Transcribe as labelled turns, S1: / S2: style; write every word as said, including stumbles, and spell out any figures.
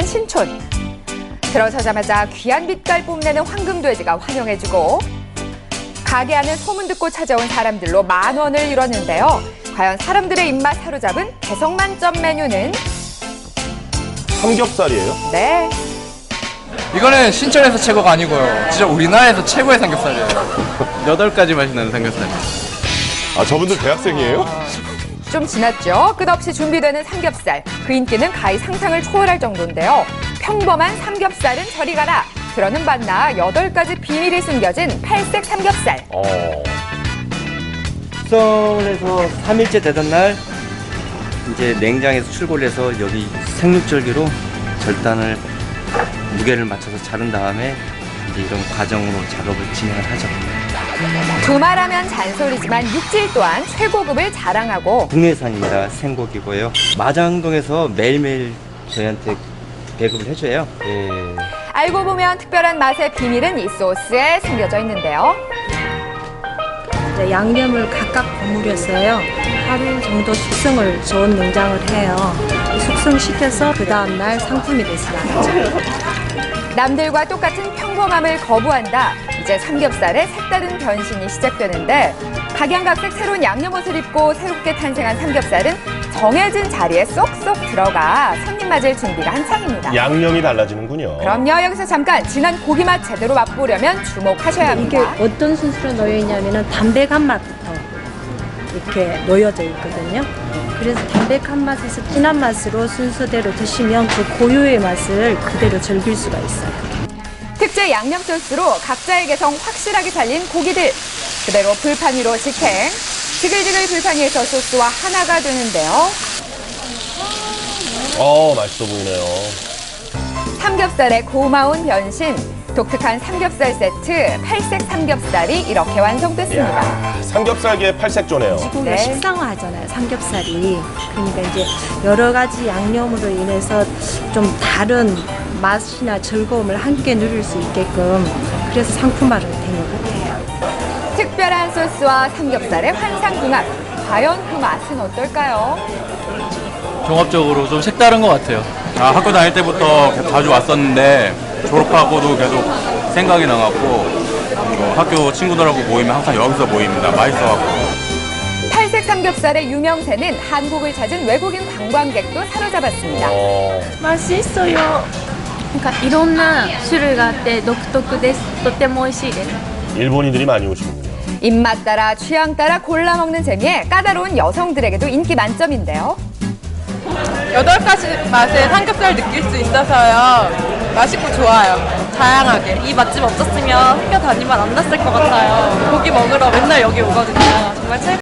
S1: 신촌. 들어서자마자 귀한 빛깔 뽐내는 황금돼지가 환영해주고 가게 안을 소문 듣고 찾아온 사람들로 만 원을 이뤘는데요. 과연 사람들의 입맛 사로잡은 개성 만점 메뉴는?
S2: 삼겹살이에요?
S1: 네.
S3: 이거는 신촌에서 최고가 아니고요. 진짜 우리나라에서 최고의 삼겹살이에요.
S4: 여덟 가지 맛이 나는 삼겹살.
S2: 아, 저분들 대학생이에요?
S1: 좀 지났죠? 끝없이 준비되는 삼겹살. 그 인기는 가히 상상을 초월할 정도인데요. 평범한 삼겹살은 저리 가라. 그러는 반나 여덟 가지 비밀이 숨겨진 팔색 삼겹살.
S2: 어.
S5: 숙성을 해서 삼 일째 되던 날 이제 냉장에서 출고를 해서 여기 생육절기로 절단을 무게를 맞춰서 자른 다음에 이제 이런 과정으로 작업을 진행을 하죠.
S1: 두말하면 잔소리지만 육질 또한 최고급을 자랑하고
S5: 국내산입니다. 생고기고요. 마장동에서 매일매일 저희한테 배급을 해줘요. 예.
S1: 알고 보면 특별한 맛의 비밀은 이 소스에 숨겨져 있는데요.
S6: 네, 양념을 각각 버무려서요. 하루 정도 숙성을 좋은 냉장을 해요. 숙성시켜서 그 다음날 상품이 돼서 나가죠.
S1: 남들과 똑같은 평범함을 거부한다. 이제 삼겹살의 색다른 변신이 시작되는데 각양각색 새로운 양념 옷을 입고 새롭게 탄생한 삼겹살은 정해진 자리에 쏙쏙 들어가 손님 맞을 준비가 한창입니다.
S2: 양념이 달라지는군요.
S1: 그럼요. 여기서 잠깐 진한 고기 맛 제대로 맛보려면 주목하셔야
S6: 이게
S1: 합니다.
S6: 어떤 순서로 놓여 있냐면은 담백한 맛부터 이렇게 놓여져 있거든요. 그래서 담백한 맛에서 진한 맛으로 순서대로 드시면 그 고유의 맛을 그대로 즐길 수가 있어요.
S1: 특제 양념 소스로 각자의 개성 확실하게 살린 고기들 그대로 불판 위로 직행. 지글지글 불판 위에서 소스와 하나가 되는데요.
S2: 어, 맛있어 보이네요.
S1: 삼겹살의 고마운 변신. 독특한 삼겹살 세트 팔색 삼겹살이 이렇게 완성됐습니다.
S2: 이야, 삼겹살계 팔색조네요.
S6: 고기가
S1: 네.
S6: 식상화하잖아요, 삼겹살이. 그러니까 이제 여러 가지 양념으로 인해서 좀 다른 맛이나 즐거움을 함께 누릴 수 있게끔 그래서 상품화를 된 것 같아요.
S1: 특별한 소스와 삼겹살의 환상궁합. 과연 그 맛은 어떨까요?
S4: 종합적으로 좀 색다른 것 같아요. 아, 학교 다닐 때부터 자주 왔었는데 졸업하고도 계속 생각이 나갖고 뭐 학교 친구들하고 모이면 항상 여기서 모입니다. 맛있어갖고.
S1: 팔색 삼겹살의 유명세는 한국을 찾은 외국인 관광객도 사로잡았습니다.
S2: 어,
S7: 맛있어요. なんかいろんな種類があって独特です。とっても美味しいです。
S2: 일본인들이 많이 오시는군요.
S1: 입맛 따라 취향 따라 골라 먹는 재미에 까다로운 여성들에게도 인기 만점인데요.
S8: 여덟 가지 맛의 삼겹살 느낄 수 있어서요. 맛있고 좋아요. 다양하게. 이 맛집 없었으면 학교 다니면 안 났을 것 같아요. 고기 먹으러 맨날 여기 오거든요. 정말 최고.